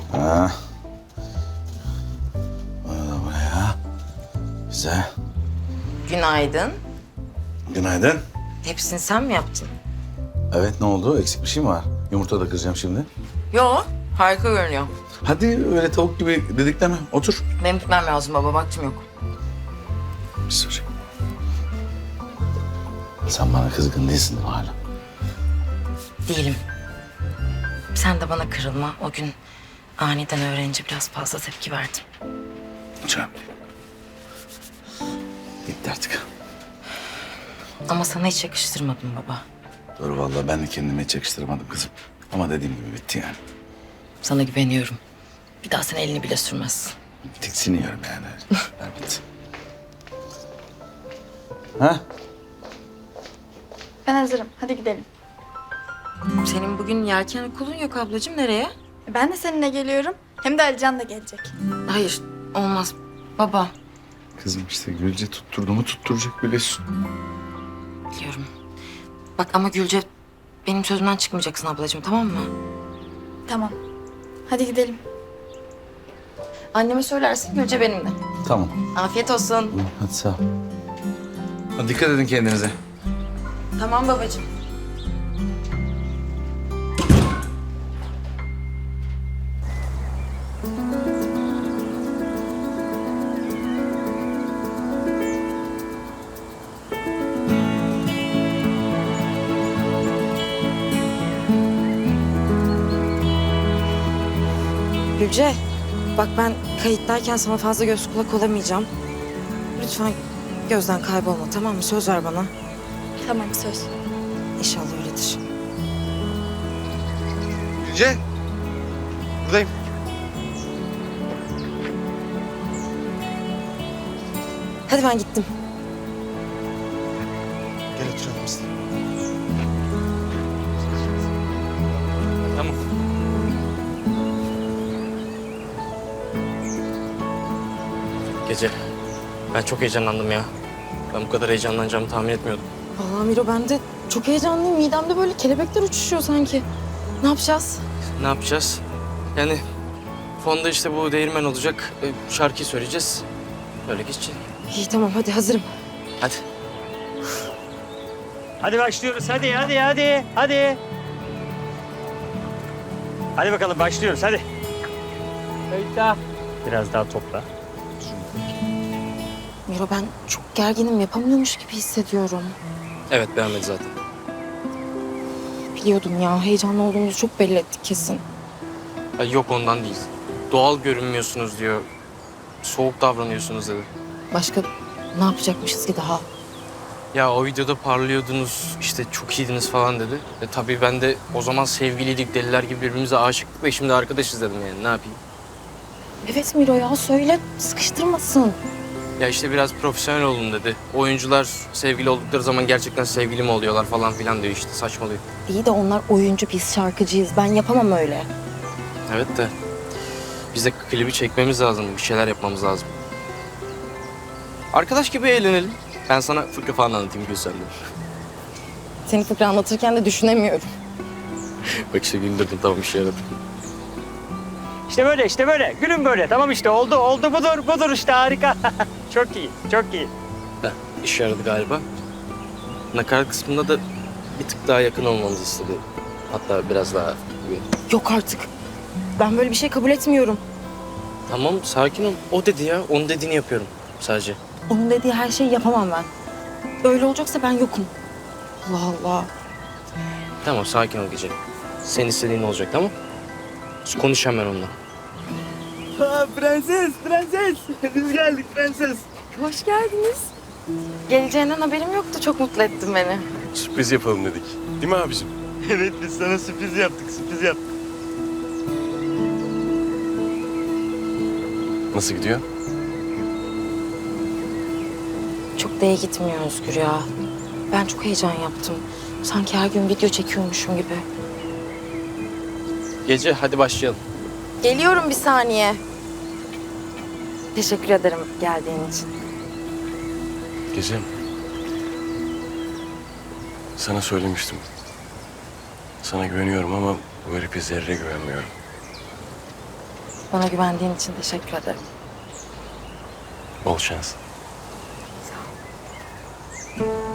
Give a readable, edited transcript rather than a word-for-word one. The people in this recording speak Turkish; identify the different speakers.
Speaker 1: Ha. Buraya. Güzel.
Speaker 2: Günaydın.
Speaker 1: Günaydın.
Speaker 2: Hepsini sen mi yaptın?
Speaker 1: Evet, ne oldu? Eksik bir şey mi var? Yumurta da kıracağım şimdi.
Speaker 2: Yo, harika görünüyor.
Speaker 1: Hadi öyle tavuk gibi dedikleme. Otur.
Speaker 2: Benim gitmem lazım baba, vaktim yok.
Speaker 1: Bir sorayım. Sen bana kızgın değilsin hala.
Speaker 2: Değilim. Sen de bana kırılma. O gün aniden öğrenince biraz fazla tepki verdim.
Speaker 1: Canım. Gitti artık.
Speaker 2: Ama sana hiç yakıştırmadım baba.
Speaker 1: Doğru vallahi ben de kendime hiç yakıştıramadım kızım. Ama dediğim gibi bitti yani.
Speaker 2: Sana güveniyorum. Bir daha sen elini bile sürmezsin.
Speaker 1: Tiksiniyorum yani. Evet. Ha?
Speaker 3: Ben hazırım. Hadi gidelim.
Speaker 2: Senin bugün yelken okulun yok ablacığım. Nereye?
Speaker 3: Ben de seninle geliyorum. Hem de Alican da gelecek.
Speaker 2: Hayır, olmaz. Baba.
Speaker 1: Kızım işte Gülce tutturdu mu tutturacak biliyorsun.
Speaker 2: Biliyorum. Bak ama Gülce, benim sözümden çıkmayacaksın ablacığım, tamam mı?
Speaker 3: Tamam. Hadi gidelim.
Speaker 2: Anneme söylersin, Gülce benimle.
Speaker 1: Tamam.
Speaker 2: Afiyet olsun.
Speaker 1: Hadi sağ ol. Hadi dikkat edin kendinize.
Speaker 2: Tamam babacığım. Gülce, bak ben kayıttayken sana fazla göz kulak olamayacağım. Lütfen gözden kaybolma, tamam mı? Söz ver bana.
Speaker 3: Tamam söz.
Speaker 2: İnşallah öyledir.
Speaker 4: Gülce. Buradayım.
Speaker 2: Hadi ben gittim.
Speaker 4: Gel oturalım biz. Tamam.
Speaker 5: Gece. Ben çok heyecanlandım ya. Ben bu kadar heyecanlanacağımı tahmin etmiyordum.
Speaker 2: Vallahi Miro, ben de çok heyecanlıyım. Midemde böyle kelebekler uçuşuyor sanki. Ne yapacağız?
Speaker 5: Ne yapacağız? Yani fonda işte bu değirmen olacak. Şarkıyı söyleyeceğiz. Öyle geçecek.
Speaker 2: İyi tamam, hadi hazırım.
Speaker 5: Hadi.
Speaker 6: Hadi başlıyoruz. Hadi. Hadi bakalım başlıyoruz. Hadi. Biraz daha topla.
Speaker 2: Miro, ben çok gerginim. Yapamıyormuş gibi hissediyorum.
Speaker 5: Evet, beğenmedi zaten.
Speaker 2: Biliyordum ya. Heyecanlı olduğumuzu çok belli ettik kesin.
Speaker 5: Ya yok, ondan değil. Doğal görünmüyorsunuz diyor. Soğuk davranıyorsunuz dedi.
Speaker 2: Başka ne yapacakmışız ki daha?
Speaker 5: Ya o videoda parlıyordunuz, işte çok iyiydiniz falan dedi. Tabii ben de o zaman sevgiliydik, deliler gibi birbirimize aşıktık ve şimdi arkadaşız dedim yani, ne yapayım?
Speaker 2: Evet Miro ya, söyle. Sıkıştırmasın.
Speaker 5: Ya işte biraz profesyonel olun dedi. Oyuncular sevgili oldukları zaman gerçekten sevgili mi oluyorlar falan filan diyor, işte saçmalıyor.
Speaker 2: İyi de onlar oyuncu, biz şarkıcıyız. Ben yapamam öyle.
Speaker 5: Evet de biz de klibi çekmemiz lazım, bir şeyler yapmamız lazım. Arkadaş gibi eğlenelim. Ben sana fıkra falan anlatayım Gülsen'de.
Speaker 2: Seni fıkra anlatırken de düşünemiyorum.
Speaker 5: Bak işte güldürdüm, tamam, işe yaradı.
Speaker 6: İşte böyle. Gülün böyle. Tamam işte oldu budur işte harika. Çok iyi.
Speaker 5: Heh, işe yaradı galiba. Nakarat kısmında da bir tık daha yakın olmamızı istedi. Hatta biraz daha gibi.
Speaker 2: Yok artık. Ben böyle bir şey kabul etmiyorum.
Speaker 5: Tamam, sakin ol. O dedi ya, onun dediğini yapıyorum sadece.
Speaker 2: Onun dediği her şeyi yapamam ben. Öyle olacaksa ben yokum. Allah Allah.
Speaker 5: Tamam, sakin ol Gece. Senin istediğin olacak, tamam? Konuş hemen onunla.
Speaker 6: Prenses. Biz geldik prenses.
Speaker 2: Hoş geldiniz. Geleceğinden haberim yoktu. Çok mutlu ettin beni.
Speaker 4: Sürpriz yapalım dedik. Değil mi abicim?
Speaker 6: Evet biz sana sürpriz yaptık.
Speaker 4: Nasıl gidiyor?
Speaker 2: Çok da iyi gitmiyor Özgür ya. Ben çok heyecan yaptım. Sanki her gün video çekiyormuşum gibi.
Speaker 5: Gece, hadi başlayalım.
Speaker 2: Geliyorum bir saniye. Teşekkür ederim geldiğin için.
Speaker 4: Gecem. Sana söylemiştim. Sana güveniyorum ama bu herife zerre güvenmiyorum.
Speaker 2: Bana güvendiğin için teşekkür ederim.
Speaker 4: Bol şans.
Speaker 2: Sağ ol.